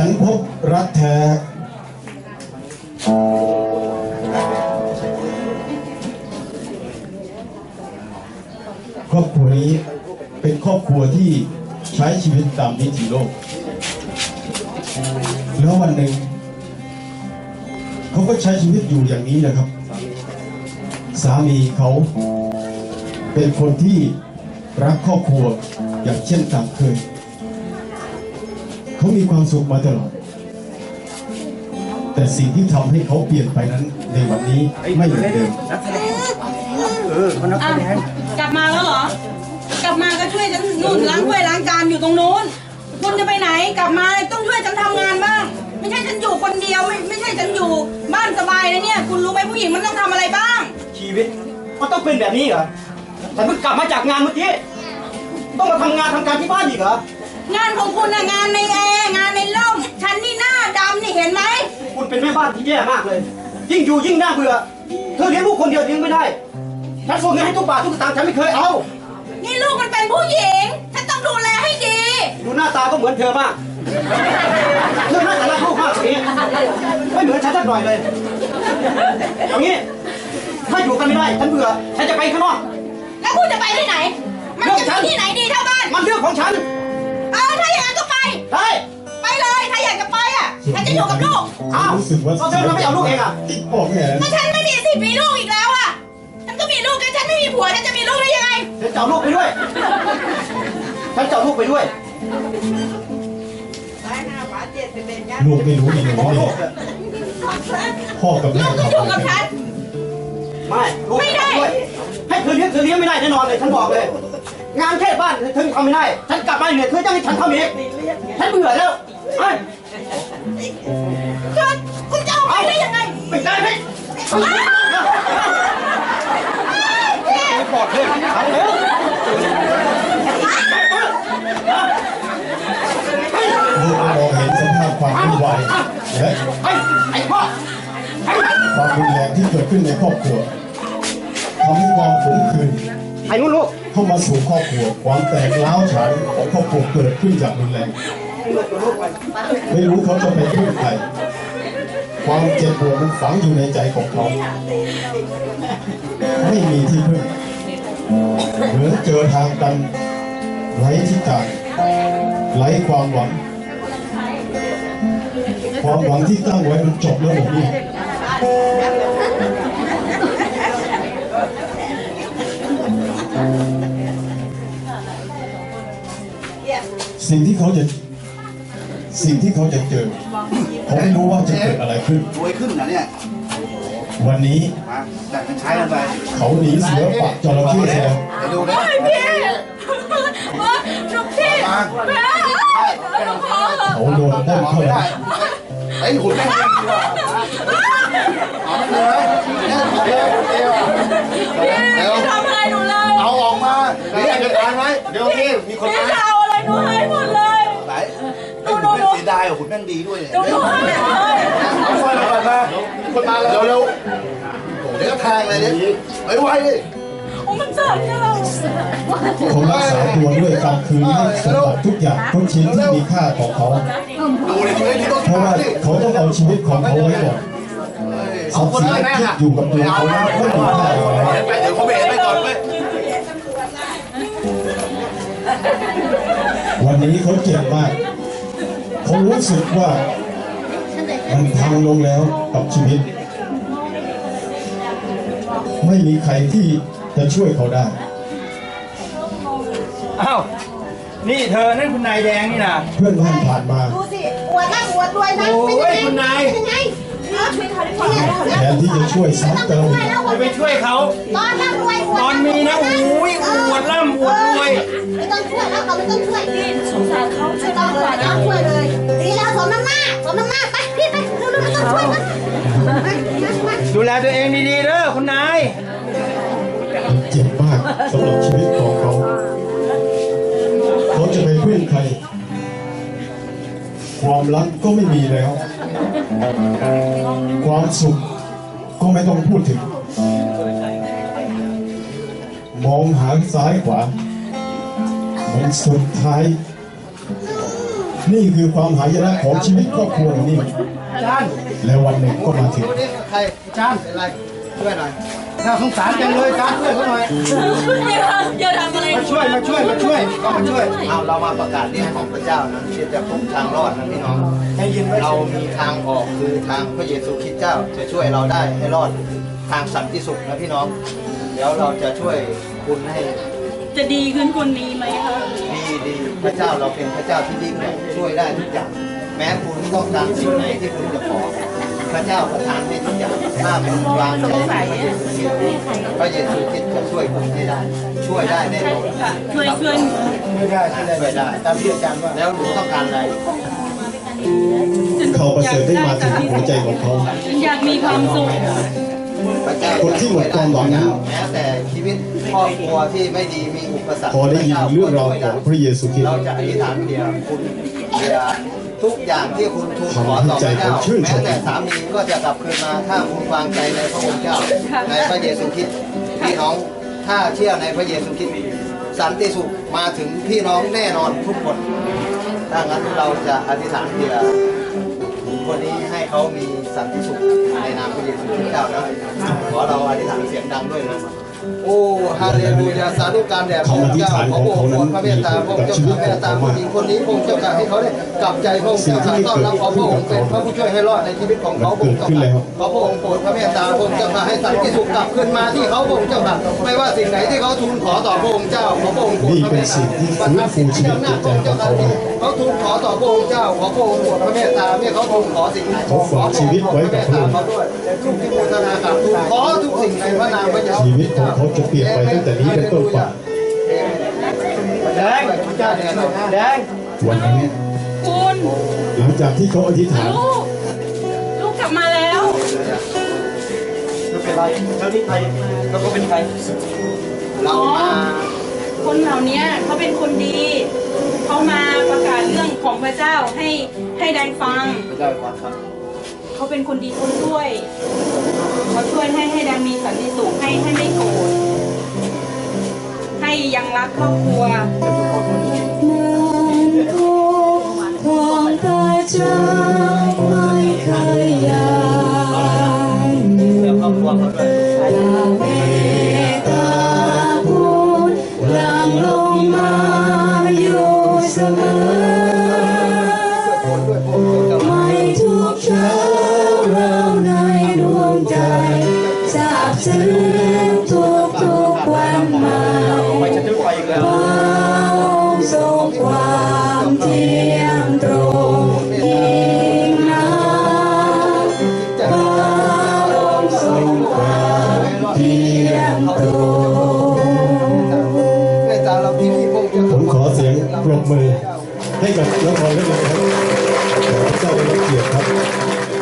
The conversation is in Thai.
นพบรักแท้ครอบครัวนี้เป็นครอบครัวที่ใช้ชีวิตตามวิถีโลกแล้ววันหนึ่งเขาก็ใช้ชีวิตอยู่อย่างนี้นะครับสามีเขาเป็นคนที่รักครอบครัวอย่างเช่นตามเคยเขามีความสุขมาตลอดแต่สิ่งที่ทำให้เขาเปลี่ยนไปนั้นในวันนี้ไม่เหมือนเดิมคนนักแสดงกลับมาแล้วเหรอกลับมาก็ช่วยฉันนู่นล้างถ้วยล้างจานอยู่ตรงนู้นคุณจะไปไหนกลับมาต้องช่วยฉันทำงานบ้างไม่ใช่ฉันอยู่คนเดียวไม่ใช่ฉันอยู่บ้านสบายนะเนี่ยคุณรู้ไหมผู้หญิงมันต้องทำอะไรบ้างชีวิตมันต้องเป็นแบบนี้เหรอฉันเพิ่งกลับมาจากงานเมื่อกี้ต้องมาทำการที่บ้านอีกเหรองานของคุณนะงานในแอร์งานในร่มฉันนี่หน้าดำนี่เห็นไหมคุณเป็นแม่บ้านที่แย่มากเลยยิ่งอยู่ยิ่งน่าเบื่อเธอเลี้ยงลูกคนเดียวเลี้ยงไม่ได้ฉันส่งเงินให้ทุกบาททุกสตางค์ฉันไม่เคยเอานี่ลูกมันเป็นผู้หญิงฉันต้องดูแลให้ดีดูหน้าตาก็เหมือนเธอมากเธอน่าจะรักลูกมากกว่านี้ไม่เหมือนฉันสักหน่อยเลยเอางี้ถ้าอยู่กันไม่ได้ฉันเบื่อฉันจะไปข้างนอกแล้วคุณจะไปที่ไหนมันจะที่ไหนดีเท่าบ้านมันเรื่องของฉันถ้าอย่างนั้นก็ไปได้ไปเลยถ้าอยากจะไปฉันจะอยู่กับลูกอ้าวเธอไม่เอาลูกเองบอกไงก็ฉันไม่มีสิทธิ์มีลูกอีกแล้วฉันก็มีลูกกันฉันไม่มีผัวฉันจะมีลูกได้ยังไงฉันจะเอาลูกไปด้วยฉันจะเอาลูกไปด้วยลูกไม่รู้ดีเลยพ่อกับแม่ลูกก็อยู่กับฉันไม่ได้ให้เธอเลี้ยงไม่ได้แน่นอนเลยฉันบอกเลยงานแค่บ้านเธอทำไม่ได้ฉันกลับมาเหนื่อยเธอจะให้ฉันทำอีกฉันเบื่อแล้วคุณจะเอาไปได้ยังไงไม่ได้ไหมไม่ปลอดเลยเอาเร็วลูกมองเห็นสภาพความวุ่นวายและความรุนแรงที่เกิดขึ้นในครอบครัวทำให้ความขมขื่นเข้ามาสู่ครอบครัวความแตกร้าวฉานของครอบครัวเกิดขึ้นจากรุนแรงไม่รู้เขาจะไปพึ่งใครความเจ็บปวดมันฝังอยู่ในใจของเขาไม่มีที่พึ่งเหมือนเจอทางตันไร้ทิศทางไร้ความหวังที่ตั้งไว้มันจบแล้วหมดนี่สิ่งที่เขาจะเจอเขาไม่รู้ว่าจะเกิดอะไรขึ้นรวยขึ้นนะเนี่ยวันนี้แต่มันใช้กันไปเขาหนีเสือปักจระเข้แล้วจะดูนะพี่จุกพี่เขาโดนต้นเข้าไปไอ้หุ่นแม่งดีกว่าเอาเลยพี่ทำอะไรหนูเลยเอาออกมาเดี๋ยวจะทานไหมเดี๋ยวพี่มีคนพี่จะเอาอะไรหนูให้หมดเลยไหนไอ้หุ่นแม่งเสียดายหุ่นแม่งดีด้วยเนี่ยหนูให้เลยเอาไฟมาก่อนมาคนมาแล้วเร็วเดี๋ยวก็แทงเลยเนี่ยไวๆดิมันเจ็บเนี่ยเราเขารักษาตัวด้วยการคืนให้สมบัติทุกอย่างทุกชิ้นที่มีค่าของเขาเพราะว่าเขาต้องเอาชีวิตของเขาไว้ก่อนทรัพย์สินที่อยู่กับตัวเขาไม่มีค่าอะไรไปเดี๋ยวเขาเบรไปก่อนไปวันนี้เขาเจ็บมากเขารู้สึกว่ามันพังลงแล้วกับชีวิตไม่มีใครที่จะช่วยเขาได้อ้าวนี่เธอนั่นคุณนายแดงนี่นะเพื่อนบ้านผ่านมาดูสิอวดนั่งอวดรวยนะโอ้ยคุณนายแทนที่จะช่วยซ้ำเติมจะไปช่วยเขาตอนนั่งรวยตอนมีนะโอ้ยอวดร่ำอวดรวยไม่ต้องช่วยแล้วเราไม่ต้องช่วยพี่สงสารเขาไม่ต้องช่วยเลยดีแล้วสมน้ำหน้าไปพี่ไปเร็วๆไม่ต้องช่วยนะดูแลตัวเองดีๆเด้อคุณนายเจ็บมากสำหรับชีวิตของเขาจะไปพึ่งใครความรักก็ไม่มีแล้วความสุขก็ไม่ต้องพูดถึงมองหาซ้ายขวามันสุดท้ายนี่คือความหายนะของชีวิตครอบครัวนี่อาจารย์และวันหนึ่งก็มาถึงดูนี่ใครอาจารย์เป็นไรช่วยหน่อยน่าสงสารจังเลยอาจารย์ช่วยเขาหน่อยอย่าทำอะไรมาช่วยก็มาช่วยเอาเรามาประกาศเรื่องของพระเจ้านะที่จะพบทางรอดนะพี่น้องให้ยินไว้เรามีทางออกคือทางพระเยซูคริสต์เจ้าจะช่วยเราได้ให้รอดทางสันติสุขนะพี่น้องเดี๋ยวเราจะช่วยคุณให้จะดีขึ้นคนนี้ไหมคะดีพระเจ้าเราเป็นพระเจ้าที่ยิ่งใหญ่ช่วยได้ทุกอย่าง แม้คุณต้องการสิ่งไหนที่คุณจะขอพระเจ้าประทานให้ทุกอย่างถ้าเป็นวางใจในพระเยซูคริสต์จะช่วยคุณให้ได้ ช่วยได้แน่นอนค่ะช่วยช่วยได้ตามที่อาจารย์ว่าแล้วหนูต้องการอะไรเขาประเสริฐได้มาถึงหัวใจของเขาอยากมีความสุขพระเจ้าคนที่หมดความหวังนั้นแม้แต่ชีวิตครอบครัวที่ไม่ดีมีอุปสรรคพอได้ยินเรื่องราวของพระเยซูคริสต์เราจะอธิษฐานเดียวคุณเดียวทุกอย่างที่คุณทูลขอต่อพระเจ้าแม้แต่สามีก็จะกลับคืนมาถ้าคุณวางใจในพระองค์เจ้าในพระเยซูคริสต์พี่น้องถ้าเชื่อในพระเยซูคริสต์สันติสุขมาถึงพี่น้องแน่นอนทุกคนถ้างั้นเราจะอธิษฐานเดียวคนนี้ให้เขามีสันติสุขในนามพระเยซูคริสต์เจ้านะขอเราอธิษฐานเสียงดังด้วยนะโอ้ฮาเลลูยาสาธุการแด่พระองค์เจ้าขอพระองค์โปรดพระเมตตาพระองค์เจ้าข้าเมตตาผู้หญิงคนนี้พระองค์เจ้าข้าให้เขาได้กลับใจพระองค์เจ้าข้าต้อนรับขอพระองค์เป็นพระผู้ช่วยให้รอดในชีวิตของเขาพระองค์เจ้าข้าขอพระองค์โปรดพระเมตตาพระองค์เจ้าข้าให้สันติสุขกลับคืนมาที่เขาพระองค์เจ้าข้าไม่ว่าสิ่งไหนที่เขาทูลขอต่อพระองค์เจ้าขอพระองค์โปรดพระเมตตาประทานสิ่งที่อำนาจพระองค์เจ้าข้าเขาทูลขอต่อพระองค์เจ้าขอพระองค์โปรดพระเมตตาเมื่อเขาทูลขอสิ่งไหนเขาฝากชีวิตไว้กับพระองค์เขาด้วยทุกที่บูชากับทูลขอทุกสิ่งในพระนามพระเยซูชีวิตของเขาจะเปลี่ยนไปตั้งแต่นี้เป็นต้นไปแดงแดงวันนั้นคุณหลังจากที่เขาอธิษฐานลูกกลับมาแล้วไม่เป็นไรแล้วนี่ใครแล้วก็เป็นใครเรามาคนเหล่านี้เขาเป็นคนดี เขามาประกาศเรื่องของพระเจ้าให้แดงฟังพระเจ้าขอครับเขาเป็นคนดีคนช่วย เขาช่วยให้แดงมีสันติสุขให้ไม่โกรธให้ยังรักครอบครัวของพระเจ้าไม่เคยยายเรื่องครอบครัวเขาด้วยเมตตาคุณหลั่งลงมาอยู่เสมอ ไม่ทุกเช้าเราในดวงใจทราบซึ้งทุกวันมาไปฉันจะไปอีกแล้วพระองค์ทรงความเที่ยงตรงยิ่งนักพระองค์ทรงความเที่ยงตรงเมตตาเราที่นี่พระองค์จะผมขอเสียงปรบมือให้กับละครเรื่องนี้ครับขอพระเจ้าได้รับเกียรติครับ